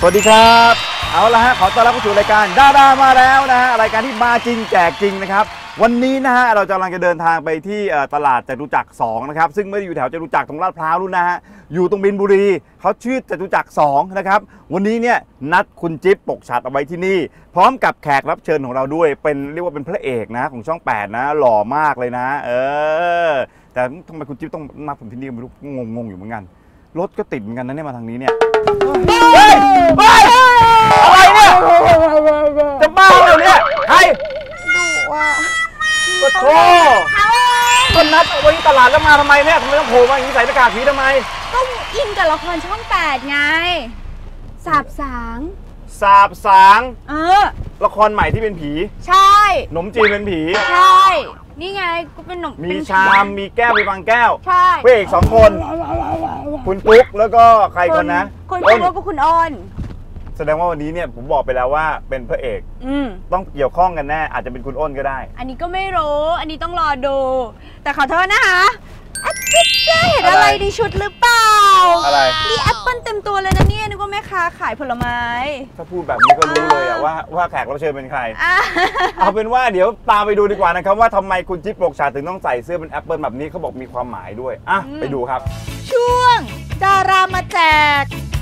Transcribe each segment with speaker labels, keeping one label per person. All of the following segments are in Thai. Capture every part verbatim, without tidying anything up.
Speaker 1: วัสดีครับเอาละฮะขอต้อนรับเข้าสู่รายการดารามาแล้วนะฮะรายการที่มาจริงแจกจริงนะครับวันนี้นะฮะเราจะกำลังจะเดินทางไปที่ตลาดจตุจักรสองนะครับซึ่งไม่ได้อยู่แถวจตุจักรตรงลาดพร้าวนู่นนะฮะอยู่ตรงบินบุรีเขาชื่อจตุจักรสองนะครับวันนี้เนี่ยนัดคุณจิ๊บปกฉัตรเอาไว้ที่นี่พร้อมกับแขกรับเชิญของเราด้วยเป็นเรียกว่าเป็นพระเอกนะของช่องแปดนะหล่อมากเลยนะเออแต่ทำไมคุณจิ๊บต้องนัดผมที่นี่ไม่รู้งงๆอยู่เหมือนกันรถก็ติดเหมือนกันนะเนี่ยมาทางนี้เนี่ยเฮ้ยเฮ้ยอะไรเนี่ยจะบ้าเหรอเนี่ยใครดูว่าก็โธ่ก็นัดเอาไว้ที่ตลาดแล้วมาทำไมเนี่ยทำไมต้องโผล่มาอย่างนี้ใส่หน้ากากผีทำไม
Speaker 2: ก็อินกับละครช่องแปดไงสาบสาง
Speaker 1: สาบสาง
Speaker 2: เออ
Speaker 1: ละครใหม่ที่เป็นผี
Speaker 2: ใช่
Speaker 1: หนมจีนเป็นผี
Speaker 2: ใช่นี่ไงก็เป็นหนม
Speaker 1: มีชามมีแก้วมีบางแก้ว
Speaker 2: ใช่
Speaker 1: พระเอกสองคนคุณปุ๊กแล้วก็ใครคนนะ
Speaker 2: คุณปุ๊กแล้วก็คุณอ้น
Speaker 1: แสดงว่าวันนี้เนี่ยผมบอกไปแล้วว่าเป็นพระเอกต้องเกี่ยวข้องกันแน่อาจจะเป็นคุณอ้นก็ได้
Speaker 2: อันนี้ก็ไม่รู้อันนี้ต้องรอดูแต่ขอโทษนะคะอาจิ๊บเจ๊เห็นอะไรในชุดหรือเปล่า
Speaker 1: อะไร
Speaker 2: นี่แอปเปิ้ลเต็มตัวเลยนะเนี่ยนึกว่าแม่ค้าขายผลไม้
Speaker 1: ถ้าพูดแบบนี้ก็รู้เลยอะว่าว่าแขกรับเชิญเป็นใครเอาเป็นว่าเดี๋ยวตามไปดูดีกว่านะครับว่าทำไมคุณจิ๊บปกฉัตรถึงต้องใส่เสื้อเป็นแอปเปิ้ลแบบนี้เขาบอกมีความหมายด้วยอ่ะไปดูครับ
Speaker 2: ช่วงดารามาแจก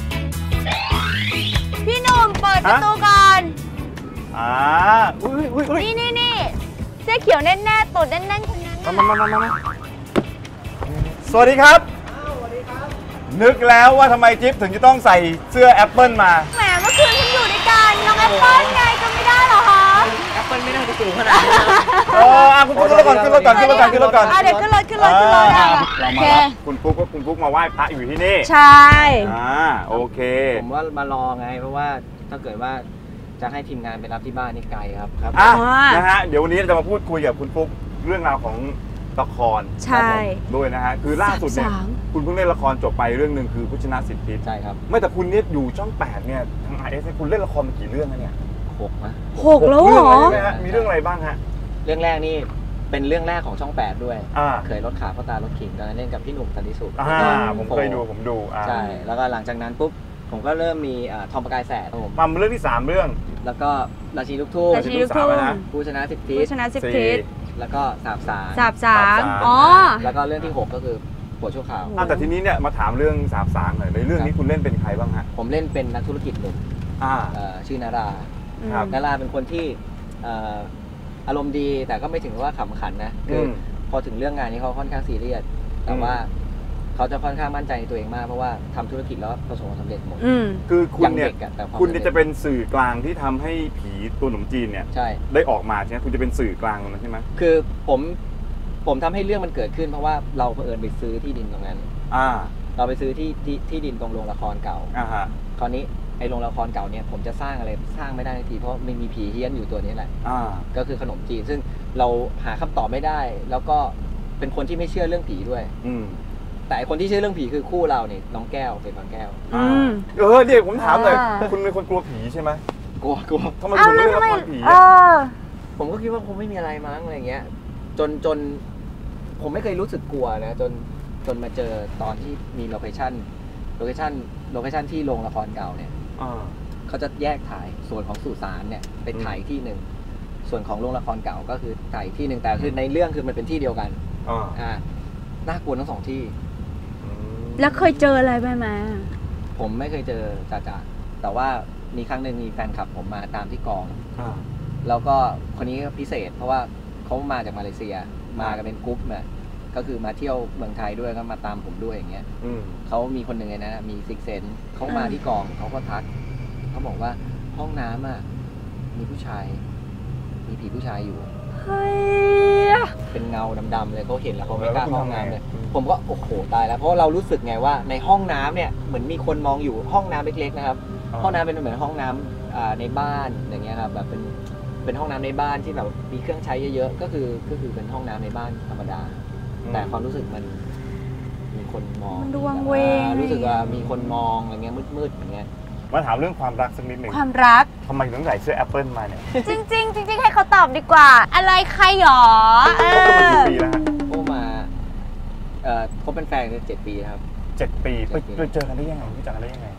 Speaker 2: พี่หนุ่มเปิดประตูก่อน
Speaker 1: อ่าอุ้ยอุ้ย
Speaker 2: นี่นี่นี่เสื้อเขียวแน่นๆตูดแน่นๆคนนั้น
Speaker 1: มามามามาสวัสดีครับสวัสดีครับนึกแล้วว่าทำไมจิ๊บถึงจะต้องใส่เสื้อแอปเปิ้ลมา
Speaker 2: แหมเมื่อคืนฉันอยู่ด้วยกันน้องแอปเปิ้ลไงก็ไม่ได้หรอคะ
Speaker 3: แอปเปิ้ลไม่น่าจะสูงขนาดนี้
Speaker 1: เออคุณปุ๊กขึ้นรถก่อนขึ้นรถก่อนขึ้นรถก่อนขึ้นรถก่อน
Speaker 2: เดี๋ยวขึ้นรถขึ้นรถขึ้นรถ
Speaker 1: เรามาคุณปุ๊กก็คุณปุ๊กมาไหว้พระอยู่ที่นี่
Speaker 2: ใช่
Speaker 1: อ่าโอเค
Speaker 3: ผมว่ามารอไงเพราะว่าถ้าเกิดว่าจะให้ทีมงานไปรับที่บ้านนี่ไกลครับครับ
Speaker 1: อ่ะนะฮะเดี๋ยววันนี้เราจะมาพูดคุยกับคุณปุ๊กเรื่องราวของละคร
Speaker 2: ใช่
Speaker 1: ด้วยนะฮะคือล่าสุดเนี่ยคุณเพิ่งเล่นละครจบไปเรื่องหนึ่งคือพุชนะสิทธิ์พิษ
Speaker 3: ใช่ครับ
Speaker 1: ไม่แต่คุณเนี่ยอยู่ช่องแปดเนี่ยทาง ไอ เอส คุณเล่นละครมากี่เรื่องแล้วเนี่ย
Speaker 3: หกนะ
Speaker 2: หกแล้วเหรอ
Speaker 1: มีเรื่องอะไรบ้างฮะ
Speaker 3: เรื่องแรกนี่เป็นเรื่องแรกของช่องแปดด้วยเคยรถขาพ่อตารถขิงตอนนั้นเล่นกับพี่หนุ่มสันติสุข
Speaker 1: ผมเคยดูผมดู
Speaker 3: ใช่แล้วก็หลังจากนั้นปุ๊บผมก็เริ่มมีทอมประกายแสดผม
Speaker 1: มาเรื่องที่สามเรื่อง
Speaker 3: แล้วก็ราชีลูกทุ่ง
Speaker 2: ราชีลูกทุ่ง
Speaker 3: ผู้ชนะสิบทิศ
Speaker 2: ผู้ชนะสิบทิศ
Speaker 3: แล้วก็สาบสาร
Speaker 2: สาบสารอ๋อ
Speaker 3: แล้วก็เรื่องที่หกก็คือผัวชั่วคราว
Speaker 1: แต่ทีนี้เนี่ยมาถามเรื่องสาบสารหน่อยในเรื่องนี้คุณเล่นเป็นใครบ้างฮะ
Speaker 3: ผมเล่นเป็นนักธุรกิจหนุ่มชื่อนารานาราเป็นคนที่อารมณ์ดีแต่ก็ไม่ถึงว่าขำขันนะคือพอถึงเรื่องงานนี้เขาค่อนข้างซีเรียสแต่ว่าเขาจะค่อนข้างมั่นใจในตัวเองมากเพราะว่าทำธุรกิจแล้วประสบความสำเร็จหมด
Speaker 1: คือคุณเนี่ยคุณจะเป็นสื่อกลางที่ทำให้ผีตัวหนุ่มจีนเนี่ยได้ออกมาใช่ไหมคุณจะเป็นสื่อกลางตรงนั้นใช่ไหม
Speaker 3: คือผมผมทำให้เรื่องมันเกิดขึ้นเพราะว่าเราเผอิญไปซื้อที่ดินตรงนั้นเราไปซื้อที่ที่ที่ดินตรงโรงละครเก่าคราวนี้ไอ้โรงละครเก่าเนี่ยผมจะสร้างอะไรสร้างไม่ได้ทีเพราะมันมีผีเฮี้ยนอยู่ตัวนี้แหละก็คือขนมจีนซึ่งเราหาคำตอบไม่ได้แล้วก็เป็นคนที่ไม่เชื่อเรื่องผีด้วยแต่คนที่เชื่อเรื่องผีคือคู่เราเนี่ยน้องแก้วเป็นบางแก้ว
Speaker 1: เออเดี๋ยวผมถามเลยคุณเป็นคนกลัวผีใช่ไหม
Speaker 3: กลัวกลัว
Speaker 1: ทำไมคุณไม่เล่นละครผี
Speaker 3: ผมก็คิดว่าคงไม่มีอะไรมั้งอะไรเงี้ยจนจนผมไม่เคยรู้สึกกลัวนะจนจนมาเจอตอนที่มีโลเคชั่นโลเคชั่นโลเคชั่นที่โรงละครเก่าเนี่ยเขาจะแยกถ่ายส่วนของสุสานเนี่ยเป็นถ่ายที่หนึ่งส่วนของโรงละครเก่าก็คือถ่ายที่หนึ่งแต่คือในเรื่องคือมันเป็นที่เดียวกันอ่าน่ากลัวทั้งสองที่
Speaker 2: แล้วเคยเจออะไรไหมมา
Speaker 3: ผมไม่เคยเจอจ่าจ่าแต่ว่ามีครั้งหนึ่งมีแฟนคลับผมมาตามที่กองแล้วก็คนนี้พิเศษเพราะว่าเขามาจากมาเลเซียมากันเป็นกรุ๊ปเนี่ยก็คือมาเที่ยวเมืองไทยด้วยก็มาตามผมด้วยอย่างเงี้ยเขามีคนหนึ่งเลยนะมีซิกเซนเขามาที่กองเขาก็ทักเขาบอกว่าห้องน้ำอ่ะมีผู้ชายมีผีผู้ชายอยู่เป็นเงาดำๆเลยเขาเห็นแล้วเขาไม่กล้าเข้าห้องน้ำเลยผมก็โอ้โหตายแล้วเพราะเรารู้สึกไงว่าในห้องน้ำเนี่ยเหมือนมีคนมองอยู่ห้องน้ำเล็กๆนะครับห้องน้ำเป็นเหมือนห้องน้ำในบ้านอย่างเงี้ยครับแบบเป็นเป็นห้องน้ำในบ้านที่แบบมีเครื่องใช้เยอะๆก็คือก็คือเป็นห้องน้ำในบ้านธรรมดาแต่ความรู้สึกมันมีคนมอง
Speaker 2: ดวงเวง
Speaker 3: รู้สึกว่ามีคนมองอะไรเงี้ยมืดๆอย่างเงี้ย
Speaker 1: มาถามเรื่องความรักสักนิดหนึ่ง
Speaker 2: ความรัก
Speaker 1: ทำไมต้องใส่เสื้อแอปเปิลมาเนี่ย
Speaker 2: จริงจริงจริงให้เขาตอบดีกว่าอะไรใครหรอ
Speaker 1: เออมากี่ปีแล้วฮะ
Speaker 3: โอ้มาเอ่อเขาเป็นแฟนกันเจ็ดปีครับ
Speaker 1: เจ็ดปีไปเจอกันได้ยังไงรู้จักกันได้ยังไง
Speaker 3: ผ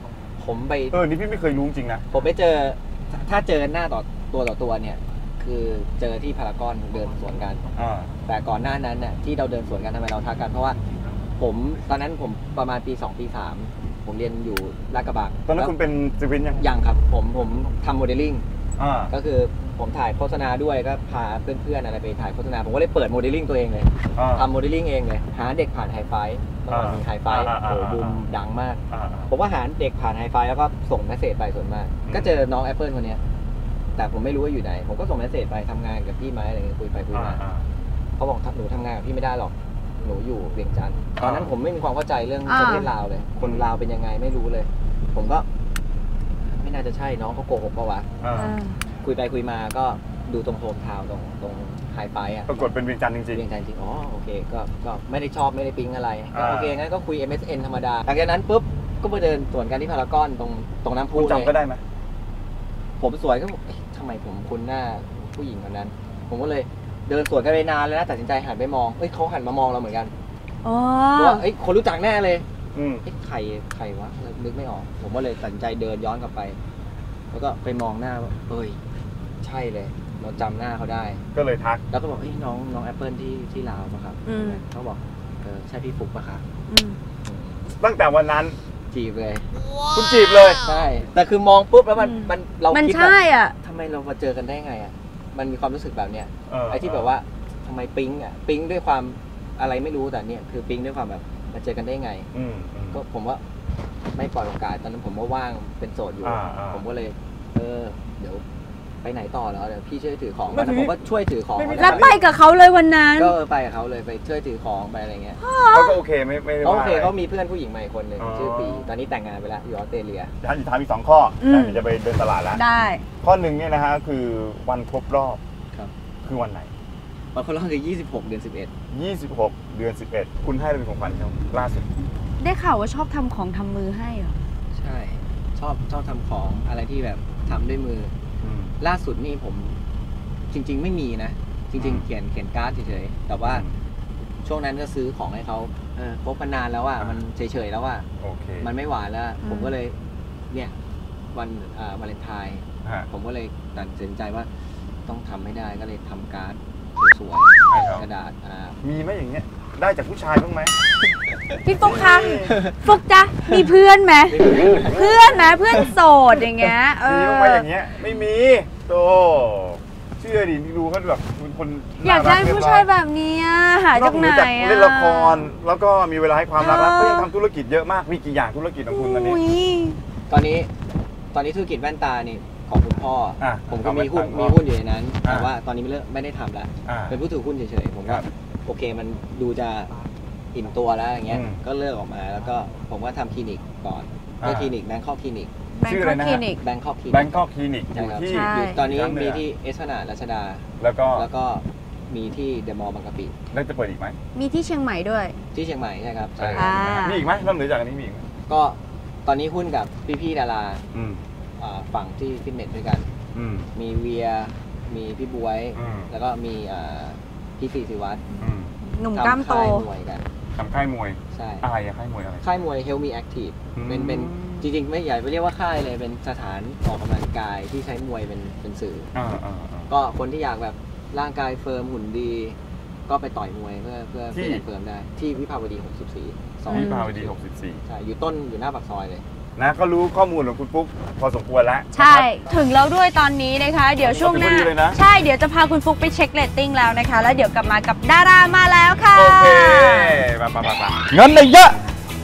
Speaker 3: ผมไป
Speaker 1: เออนี่พี่ไม่เคยรู้จริงนะ
Speaker 3: ผมไปเจอถ้าเจอหน้าต่อตัวต่อตัวเนี่ยคือเจอที่พารากอนเดินสวนกันแต่ก่อนหน้านั้นเนี่ยที่เราเดินสวนกันทำไมเราทักกันเพราะว่าผมตอนนั้นผมประมาณปีสองปีสามผมเรียนอยู่ลาดกระบัง
Speaker 1: ตอนนั้นคุณเป็นศิลปินยัง
Speaker 3: ยังครับผมผมทำโมเดลลิ่งก็คือผมถ่ายโฆษณาด้วยก็พาเพื่อนๆอะไรไปถ่ายโฆษณาผมก็เลยเปิดโมเดลลิ่งตัวเองเลยทำโมเดลลิ่งเองเลยหาเด็กผ่านไฮไฟเมื่อก่อนมีไฮไฟโอ้บูมดังมากผมว่าหาเด็กผ่านไฮไฟแล้วก็ส่งเมสเซจไปส่วนมากก็เจอน้องแอปเปิลคนนี้แต่ผมไม่รู้ว่าอยู่ไหนผมก็ส่งเมสเซจไปทำงานกับพี่ไหมอะไรเงี้ยคุยไปคุยมาเขาบอกหนูทำงานกับพี่ไม่ได้หรอกหนูอยู่เวียงจันทร์ตอนนั้นผมไม่มีความเข้าใจเรื่องประเทศลาวเลยคนลาวเป็นยังไงไม่รู้เลยผมก็ไม่น่าจะใช่น้องเขาโกหกปะวะคุยไปคุยมาก็ดูตรงโฮมทาวน์ตรงตรงไฮไฟอ่ะ
Speaker 1: ปรากฏเป็นเวียงจันทร์จริงๆ
Speaker 3: เวียงจันทร์จริงอ๋อโอเคก็ก็ไม่ได้ชอบไม่ได้ปิ๊งอะไรโอเคงั้นก็คุย เอ็ม เอส เอ็น ธรรมดาหลังจากนั้นปุ๊บก็ไปเดินสวนกันที่พารากอนตรงตรงน้ำพุเลย
Speaker 1: จำก็ได้ไหม
Speaker 3: ผมสวยก็ทำไมผมคุ้นหน้าผู้หญิงคนนั้นผมก็เลยเดินสวนกันไปนานแล้วนะตัดสินใจหันไปมองเฮ้ยเขาหันมามองเราเหมือนกันว่าเฮ้ยคนรู้จักแน่เลยเฮ้ยใครใครวะนึกไม่ออกผมก็เลยตัดสินใจเดินย้อนกลับไปแล้วก็ไปมองหน้าว่าเอ้ยใช่เลยเราจำหน้าเขาได้
Speaker 1: ก็เลยทัก
Speaker 3: แล้วก็บอกเฮ้ยน้องน้องแอปเปิลที่ที่ลาวป่ะครับเขาบอกเออใช่พี่ฟุกป่ะครับ
Speaker 1: ตั้งแต่วันนั้น
Speaker 3: จีบเลย
Speaker 1: คุณจีบเลย
Speaker 3: ใช่แต่คือมองปุ๊บแล้วมันมันเรา
Speaker 2: คิดว่า
Speaker 3: ทำไมเรามาเจอกันได้ไงอ่ะมันมีความรู้สึกแบบเนี้ยไอ้ที่แบบว่าทำไมปิ๊งอ่ะปิ๊งด้วยความอะไรไม่รู้แต่เนี่ยคือปิ๊งด้วยความแบบมาเจอกันได้ไงก็ผมว่าไม่ปล่อยโอกาสตอนนั้นผมว่าว่างเป็นโสดอยู่ผมก็เลยเออเดี๋ยวไปไหนต่อแล้วเดี๋ยวพี่ช่วยถือของแล้วผมก็ช่วยถือของ
Speaker 2: แล้วไปกับเขาเลยวันนั้น
Speaker 3: ก็ไปกับเขาเลยไปช่วยถือของไปอะไรเงี้ย
Speaker 1: เขาก็โอเคไม่ไม่
Speaker 3: โอเคเขามีเพื่อนผู้หญิงใหม่คนหนึ่งชื่อปีตอนนี้แต่งงานไปแล้วอยู่ออสเตรเลีย
Speaker 1: ท่านถามอีกสองข้อแต่จะไปเดินตลาดแล้ว
Speaker 2: ได้
Speaker 1: ข้อหนึ่งเนี่ยนะฮะคือวันครบรอบ
Speaker 3: ครับ
Speaker 1: คือวันไหน
Speaker 3: วันครบรอบคือยี่สิบหกเดือนสิบเอ็ด
Speaker 1: ยี่สิบหกเดือนสิบเอ็ดคุณให้อะไรเป็นของขวัญเขาล่าสุด
Speaker 2: ได้ข่าวว่าชอบทำของทำมือให้เหรอ
Speaker 3: ใช่ชอบชอบทำของอะไรที่แบบทำด้วยมือล่าสุดนี่ผมจริงๆไม่มีนะจริงๆเขียนเขียนการ์ดเฉยๆแต่ว่าช่วงนั้นก็ซื้อของให้เขาเออคบกันนานแล้วอ่ะมันเฉยๆแล้วอ่ะมันไม่หวานแล้วผมก็เลยเนี่ยวันอ่าวาเลนไทน์ผมก็เลยตัดสินใจว่าต้องทำให้ได้ก็เลยทำการ์ดสวยๆกระดาษอ่า
Speaker 1: มีไหมอย่างเงี้ยได้จากผู้ชายบ้างไหม
Speaker 2: พี่ฟุกคะฟุกจ๊ะมีเพื่อนไหมเพื่อนนะเพื่อนโสดอย่างเงี้ย
Speaker 1: มีบ้างไหมอย่างเงี้ยไม่มีโตเชื่อดิดูเขาแบบเป็นคน
Speaker 2: อยากได้ผู้ชายแบบนี้หาจากไหน
Speaker 1: เล่นละครแล้วก็มีเวลาให้ความรักแล้วก็ยังทำธุรกิจเยอะมากมีกี่อย่างธุรกิจของคุณตอนนี้
Speaker 3: ตอนนี้ตอนนี้ธุรกิจแว่นตานี่ของคุณพ่อผมก็มีหุ้นมีหุ้นอยู่ในนั้นแต่ว่าตอนนี้ไม่เลิกไม่ได้ทำแล้วเป็นผู้ถือหุ้นเฉยๆผมก็โอเคมันดูจะอิ่มตัวแล้วอย่างเงี้ยก็เลิกออกมาแล้วก็ผมก็ทำคลินิกก่อนก็คลินิกแบงคอกคลินิก
Speaker 1: ชื่ออะไรนะ
Speaker 3: แบงคอกคลินิก
Speaker 1: แบงคอกคลินิกอยู่ที่
Speaker 3: ตอนนี้มีที่เอสพนารัชดา
Speaker 1: แล้วก็
Speaker 3: แล้วก็มีที่เดอะมอลล์บางกะปิ
Speaker 1: แล้วจะเปิดอีกไหม
Speaker 2: มีที่เชียงใหม่ด้วย
Speaker 3: ที่เชียงใหม่ใช่ครับ
Speaker 1: มีอีกไหมนอกเหนือจากนี้มีอีกไหม
Speaker 3: ก็ตอนนี้หุ้นกับพี่ๆดาราฝั่งที่ฟิตเนสด้วยกันมีเวียมีพี่บวยแล้วก็มีพี่สีศิวัตร
Speaker 2: หนุ่มกล้ามโต
Speaker 1: ทำค่ายมวย
Speaker 3: ใช่
Speaker 1: อะไรอะค่ายมวยอะไร
Speaker 3: ค่ายมวย Help Me Active เป็นเป็นจริงๆไม่ใหญ่ไม่เรียกว่าค่ายเลยเป็นสถานออกกำลังกายที่ใช้มวยเป็นเป็นสื่อก็คนที่อยากแบบร่างกายเฟิร์มหุ่นดีก็ไปต่อยมวยเพื่อเพื่อเป็นเฟิร์มได้ที่วิภาวดีหกสิบสี่
Speaker 1: วิภาวดีหกสิบสี่
Speaker 3: ใช่อยู่ต้นอยู่หน้าปากซอยเลย
Speaker 1: นะก็รู้ข้อมูลของคุณฟุ๊กพอสมควรแล้ว
Speaker 2: ใช่ถึงแล้วด้วยตอนนี้นะคะเดี๋ยวช่วงหน้าใช่เดี๋ยวจะพาคุณฟุ๊กไปเช็คเรตติ้งแล้วนะคะแล้วเดี๋ยวกลับมากับดารามาแล้วค่ะ
Speaker 1: โอเคมาปะปะปะเงินเลยเยอะ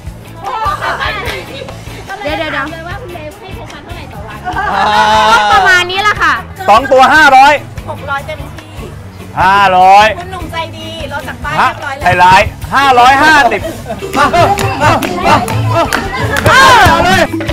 Speaker 2: เดี๋ยวเดี๋ยวเดี๋ยว
Speaker 4: เลยว่าคุณเลให้โคคันเท่าไหร่ต่อวัน
Speaker 2: ประมาณนี้แหละค่ะ
Speaker 1: สองตัวห้าร้อย
Speaker 4: หกร้อยเต็มที่
Speaker 1: ห้าร้อย
Speaker 4: คุณหนุ่มใจดีรถจากป้ายเรียบร้อยแล้ว
Speaker 1: ไอ้ร้ายห้าร้อยห้าสิบมามามามาเลย